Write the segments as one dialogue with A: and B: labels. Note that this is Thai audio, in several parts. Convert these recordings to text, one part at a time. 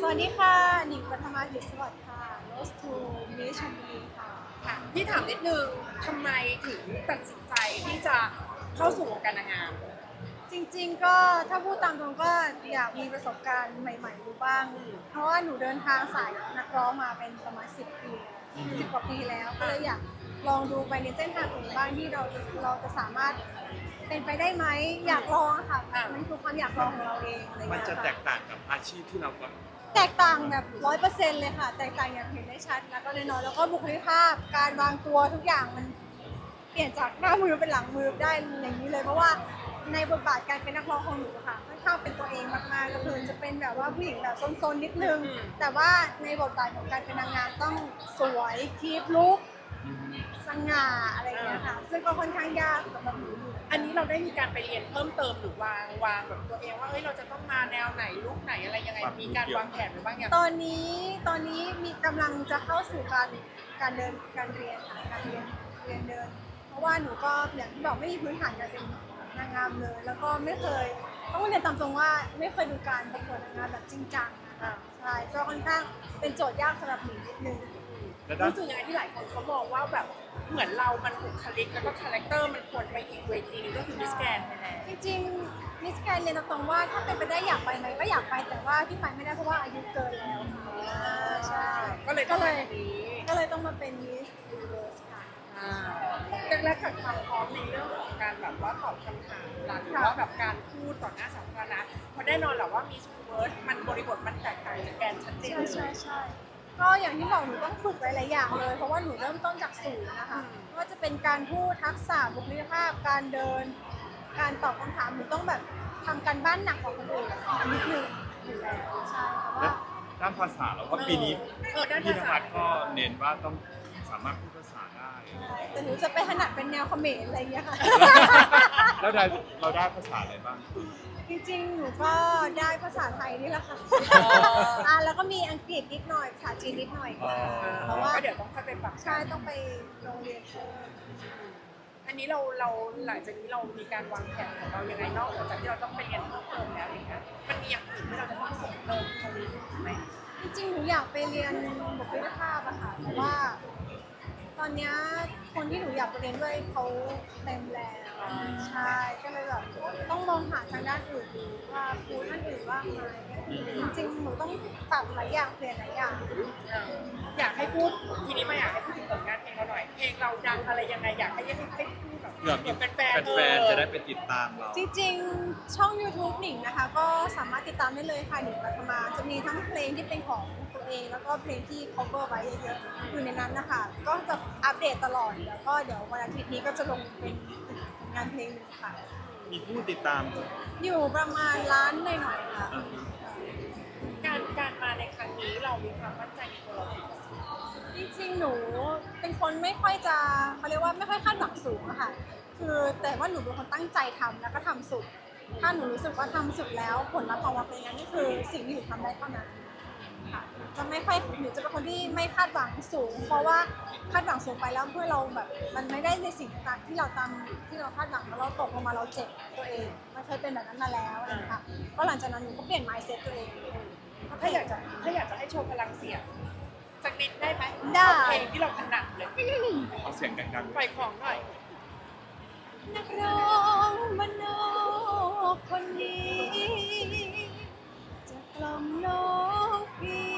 A: สวัสดีค่ะหนิงปฐมาธิสวัสดิ์ค่ะ Rose to Miss ชลบุรีค่ะ
B: ค่ะพี่ถามนิดนึงทำไมถึงตัดสินใจที่จะเข้าสู่วงการนางงาม
A: จริงๆก็ถ้าพูดตามตรงก็อยากมีประสบการณ์ใหม่ๆดูบ้าง เพราะว่าหนูเดินทางสายนักร้องมาเป็นประมาณ10 ปี10 กว่าปีแล้วก็เลยอยากลองดูไปในเส้นทางอื่นบ้างที่เราจะสามารถเป็นไปได้ไหมอยากลองอะค่ะมันคือความอยากลองของเราเองอะไรอย่าง
C: มัน
A: เงี้ย
C: จะ
A: ค่ะ
C: แตกต่างกับอาชีพที่เรา
A: แตกต่างแบบ100%เลยค่ะแตกต่างอย่างเห็นได้ชัดแล้วก็แน่นอนแล้วก็บุคลิกภาพการวางตัวทุกอย่างมันเปลี่ยนจากหน้ามือเป็นหลังมือได้อย่างนี้เลยเพราะว่าในบทบาทการเป็นนักร้องของหนูค่ะค่อนข้างเป็นตัวเองมากๆก็คือจะเป็นแบบว่าผู้หญิงแบบซนๆนิดนึงแต่ว่าในบทบาทของการเป็นนางงามต้องสวยคีปลุคสง่าอะไรอย่างเงี้ยค่ะซึ่งก็ค่อนข้างยากสำหรับหนูอยู่
B: อันนี้เราได้มีการไปเรียนเพิ่มเติมหรือวางแบบตัวเองว่าเฮ้ยเราจะต้องมาแนวไหนลุคไหนอะไรยังไงมีการวางแผนหรือบ้างยัง
A: ตอนนี้มีกำลังจะเข้าสู่การเดินการเรียนค่ะการเรียนเดินเพราะว่าหนูก็อย่างที่บอกไม่มีพื้นฐานการเป็นนางงามเลย แล้วก็ไม่เคยต้องเรียนตามตรงว่าไม่เคยดูการประกวดนางงามแบบจริงจังนะคะใช่ก็ค่อนข้างเป็นโจทย์ยากสำหรับหนูนิดนึง
B: รู้สึกยังไงที่หลายคนเขามองว่าแบบเหมือนเรามันบุคลิกแล้วก็คาแรคเตอร์มันควรไปอีกเวทีนึงก็คือมิสแกรนด์ไทยแลนด์
A: จริงๆมิสแกรนเรียนตรงๆว่าถ้าเป็นไปได้อยากไปไหมก็อยากไปแต่ว่าที่ไปไม่ได้เพราะว่าอายุเกินแล้วใช่
B: ก็เลยต้องมาแบบนี้
A: ก็เลยต้องมาเป็นมิสยูนิเวิร์สค่ะ
B: แรกๆกับความพร้อมในเรื่องของการแบบว่าตอบคำถามหรือว่าแบบการพูดต่อหน้าสาธารณะเพราะแน่นอนแหละว่ามีสกูเวิร์ดมันบริบทมันแตกต่างจากแกนชัดเจนเลย
A: ใช่ก็อย่างที่บอกหนูต้องฝึกหลายๆอย่างเลย เพราะว่าหนูเริ่มต้นจากศูนย์นะคะไม่ว่าจะเป็นการพูดทักษะบุคลิกภาพการเดิน การตอบคำถามหนูต้องแบบทำการบ้านหนักกว่าคนอื่นนิดนึงอยู่แล้วใช่แต่ว่า
C: ด้านภาษาเราก็ปีนี้
B: ด้าน
C: พี่
B: ภาน ษา
C: ภัสก็เน้นว่าต้องสามารถพูดภาษาได้
A: แต่หนูจะไปถนัดเป็นแนวเขมรอะไรอย่างเงี้ยค่ะ
C: แล้วเราได้ภาษาอะไรบ้าง
A: จริงๆ หนูก็ได้ภาษาไทยนี่แหละค่ะแล้วก็มีอังกฤษนิดหน่อย ภาษาจีนนิดหน่อยค่ะเพราะว่า
B: ก็เดี๋ยวต้องค่อยไปปรับ
A: ใช่ต้องไปโรงเรียนเพิ่ม
B: อันนี้เราหลังจากนี้เรามีการวางแผนของเรายังไงนอกจากที่เราต้องไปเรียนเพิ่มเติมแล้วอย่างเงี้ยมันมีอย่างอื่นที่เราจะต้องเสริมเติมตรงนี้ไหม
A: จริงๆ หนูอยากไปเรียนบุคลิกภาพอะค่ะแต่ว่าตอนเนี้ยคนที่หนูอยากไปเรียนด้วยเขาเต็มแล้วใช่ก็เลยแบบต้องมองหาทางด้านอื่นดูว่าครูท่านอื่นว่างไหมจริงๆ หนูต้องปรับหลายอย่างเปลี่ยนหลายอย่าง
B: อยากให้พูดทีนี้มาอยากให้พูดถึงผลงานเพลงเราหน่อยเพลงเราดังอะไรยังไงอยากให้พูดแบบ
C: เผื่อมี
B: แฟนๆ
C: แฟนๆจะได้ไปติดตามเรา
A: จริงๆ ช่อง YouTube หนิงนะคะ ก็สามารถติดตามได้เลยค่ะหนิงปฐมาจะมีทั้งเพลงที่เป็นของตัวเอง แล้วก็เพลงที่ cover ไว้เยอะๆอยู่ในนั้นนะคะ ก็จะอัปเดตตลอดแล้วก็เดี๋ยววันอาทิตย์นี้ก็จะลงเป็นงานเพลงหนึงค่ะ
C: มีผู้ติดตาม
A: อยู่ประมาณล้านหน่อยๆค่ะ
B: การมาในครั้งนี้เรามีความมั่นใจในตัวเราเอง
A: จริงๆ หนูเป็นคนไม่ค่อยจะเขาเรียกว่าไม่ค่อยคาดหวังสูงอะค่ะ คือแต่ว่าหนูเป็นคนตั้งใจทำแล้วก็ทำสุด ถ้าหนูรู้สึกว่าทำสุดแล้วผลลัพธ์ออกมาเป็นอย่างนั้นนี่คือสิ่งที่หนูทำได้เท่านั้นค่ะจะไม่ค่อยหนูจะเป็นคนที่ไม่คาดหวังสูง เพราะว่าคาดหวังสูงไปแล้วเพื่อเราแบบมันไม่ได้ในสิ่งที่เราคาดหวังแล้วเราตกลงมาเราเจ็บตัวเองมันเคยเป็นแบบนั้นมาแล้วอะไรอย่างเงี้ยค่ะก็หลังจากนั้นหนูก็เปลี่ยน mindset ตัวเอง
B: ถ้าอยากจะให้โชว์พลังเสียงสักนิดได้ไหม
A: ได้
B: เพลงที่เราถนัดเลย
C: เอาเสียงดังๆ
B: ปล่อยของหน่อย
A: นักร้องบ้านนอกคนนี้จะกล่อมน้องพี่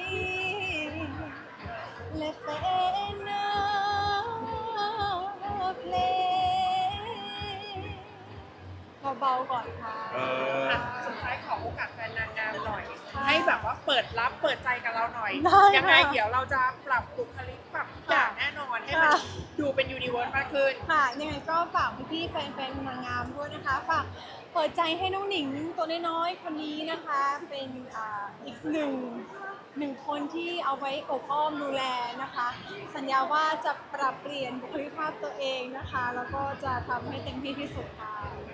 A: และแฟนน้ำเพลงเบาๆก่อนค่ะ
B: สุดท้ายขอโอกาสแฟนนางงามหน่อย ให้แบบว่าเปิดใจกับเราหน่อย
A: ได้ค่ะ
B: ยังไงเดี๋ยวเราจะปรับบุคลิกปรับทุกอย่างแน่นอนให้มัน
A: ค่ะ
B: ดูเป็นยูนิเวิร์สมากขึ้น
A: ค่ะยังไงก็ฝากพี่ๆแฟนๆนางงามด้วยนะคะฝากเปิดใจให้น้องหนิงตัวน้อยๆคนนี้นะคะ เป็นอีกหนึ่งคนที่เอาไว้อบอ้อมดูแลนะคะ สัญญาว่าจะปรับเปลี่ยนบุคลิกภาพตัวเองนะคะ แล้วก็จะทำให้เต็มที่ที่สุดค่ะ